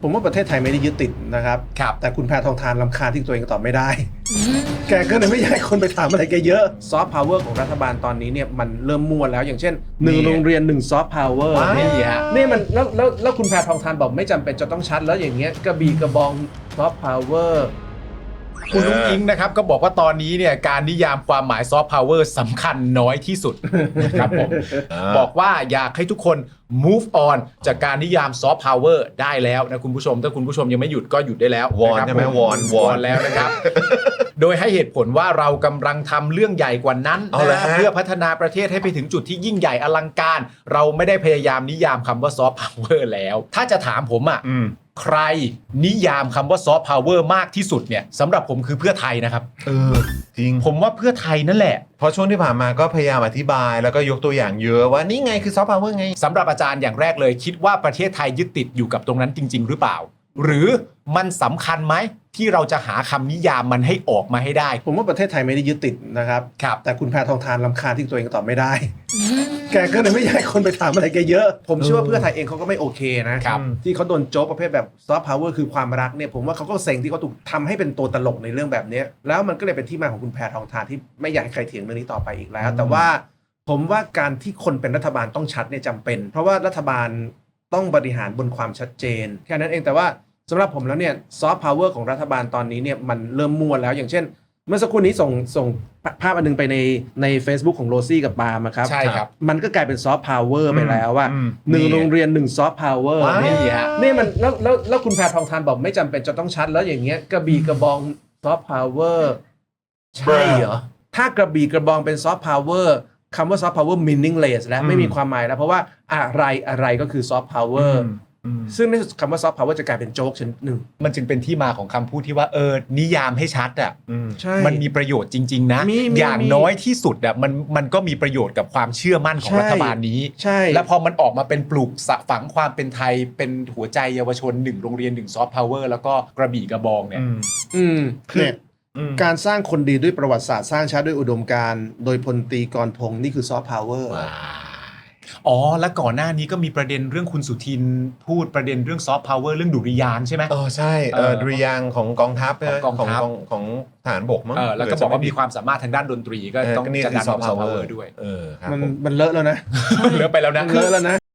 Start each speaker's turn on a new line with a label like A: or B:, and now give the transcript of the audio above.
A: ผมว่าประเทศไทยไม่ได้ยึดติดนะครับแต่คุณแพทองทานรำคาญที่ตัวเองตอบไม่ได้แกก็เลยไม่อยากให้คนไปถามอะไรแกเยอะซอฟต์พาวเวอร์ของรัฐบาลตอนนี้เนี่ยมันเริ่มมั่วแล้วอย่างเช่น1โรงเรียน1ซอฟต์พาวเวอร์นี่มันแล้วคุณแพทองทานบอกไม่จำเป็นจะต้องชัดแล้วอย่างเงี้ยกระบี่กระบองซอฟต์พาวเวอร์
B: คุณนุ้งอิงนะครับก็บอกว่าตอนนี้เนี่ยการนิยามความหมายซอฟต์พาวเวอร์สำคัญน้อยที่สุดนะครับผมบอกว่าอยากให้ทุกคน move on จากการนิยามซอฟต์พาวเวอร์ได้แล้วนะคุณผู้ชมถ้าคุณผู้ชมยังไม่หยุดก็หยุดได้แล้ว
C: วอนใช่ไหมวอน
B: แล้วนะครับโดยให้เหตุผลว่าเรากำลังทำเรื่องใหญ่กว่านั้นนะเพื่อพัฒนาประเทศให้ไปถึงจุดที่ยิ่งใหญ่อลังการเราไม่ได้พยายามนิยามคำว่าซอฟต์พาวเวอร์แล้วถ้าจะถามผมอ่ะใครนิยามคำว่าซอฟต์พาวเวอร์มากที่สุดเนี่ยสำหรับผมคือเพื่อไทยนะครับ
C: จริง
B: ผมว่าเพื่อไทยนั่นแหละ
C: เพราะช่วงที่ผ่านมาก็พยายามอธิบายแล้วก็ยกตัวอย่างเยอะว่านี่ไงคือซอฟต์พาวเวอร์ไง
B: สำหรับอาจารย์อย่างแรกเลยคิดว่าประเทศไทยยึดติดอยู่กับตรงนั้นจริงๆหรือเปล่าหรือมันสำคัญไหมที่เราจะหาคำนิยามมันให้ออกมาให้ได้
A: ผมว่าประเทศไทยไม่ได้ยึดติดนะครับแต่คุณแพทองทานรำคาญที่ตัวเองตอบไม่ได้แกก็เลยไม่อยากให้คนไปถามอะไรแกเยอะผมเชื่อว่าเพื่อไทยเองเขาก็ไม่โอเคนะที่เขาโดนโจ๊กประเภทแบบซอฟต์พาวเวอร์คือความรักเนี่ยผมว่าเขาก็เซ็งที่เขาถูกทำให้เป็นตัวตลกในเรื่องแบบนี้แล้วมันก็เลยเป็นที่มาของคุณแพทองทานที่ไม่อยากให้ใครเถียงเรื่องนี้ต่อไปอีกแล้วแต่ว่าผมว่าการที่คนเป็นรัฐบาลต้องชัดเนี่ยจำเป็น เพราะว่ารัฐบาลต้องบริหารบนความชัดเจนแค่นั้นเองแต่ว่าสำหรับผมแล้วเนี่ยซอฟต์พาวเวอร์ของรัฐบาลตอนนี้เนี่ยมันเริ่มมั่วแล้วอย่างเช่นเมื่อสักครู่นี้ส่งภาพอันนึงไปใน Facebook ของโรซี่กับปาล์มครับ
B: ใช่ครับ
A: มันก็กลายเป็นซอฟต์พาวเวอร์ไปแล้วว่า1โรงเรียน1ซอฟต์พาวเวอร์นี่มันแล้วคุณแพทองทานบอกไม่จำเป็นจะต้องชัดแล้วอย่างเงี้ยกระบี่กระบองซอฟต์พาวเวอร์ใช่เหรอถ้ากระบี่กระบองเป็นซอฟต์พาวเวอร์คำว่าซอฟต์พาวเวอร์ meaningless แล้วไม่มีความหมายแล้วเพราะว่าอะไรก็คือซอฟต์พาวเวอร์ซึ่งในคำว่าซอฟต์พาวเวอร์จะกลายเป็นโจ๊กชนิดหนึ่ง
B: มันจึงเป็นที่มาของคำพูดที่ว่านิยามให้ชัดอ่ะมันมีประโยชน์จริงๆนะอย่างน้อยที่สุดอ่ะมันก็มีประโยชน์กับความเชื่อมั่นของรัฐบาลนี้แล้วพอมันออกมาเป็นปลูกฝังความเป็นไทยเป็นหัวใจเยาวชน1โรงเรียน1ซอฟต์พาวเวอร์แล้วก็กระบี่กระบองเนี่ย
A: คือการสร้างคนดีด้วยประวัติศาสตร์สร้างชาติด้วยอุดมการณ์โดยพลตรีกรพงศ์นี่คือซอฟต์พาวเวอร์
B: และก่อนหน้านี้ก็มีประเด็นเรื่องคุณสุทินพูดประเด็นเรื่องซอฟต์พาวเวอร์เรื่องดุริยางค์ใช่ไหม
C: ใช่ดุริยางค์ของกองทัพของทหารบกมั้ง
B: แล้วก็บอกว่ามีความสามารถทางด้านดนตรีก็ต้องจัดการซอฟต์พาวเวอร์ด้วย
A: มันเลอะแล้วนะ
B: เลอะไปแล้วนะ
A: เลอะแล้วนะ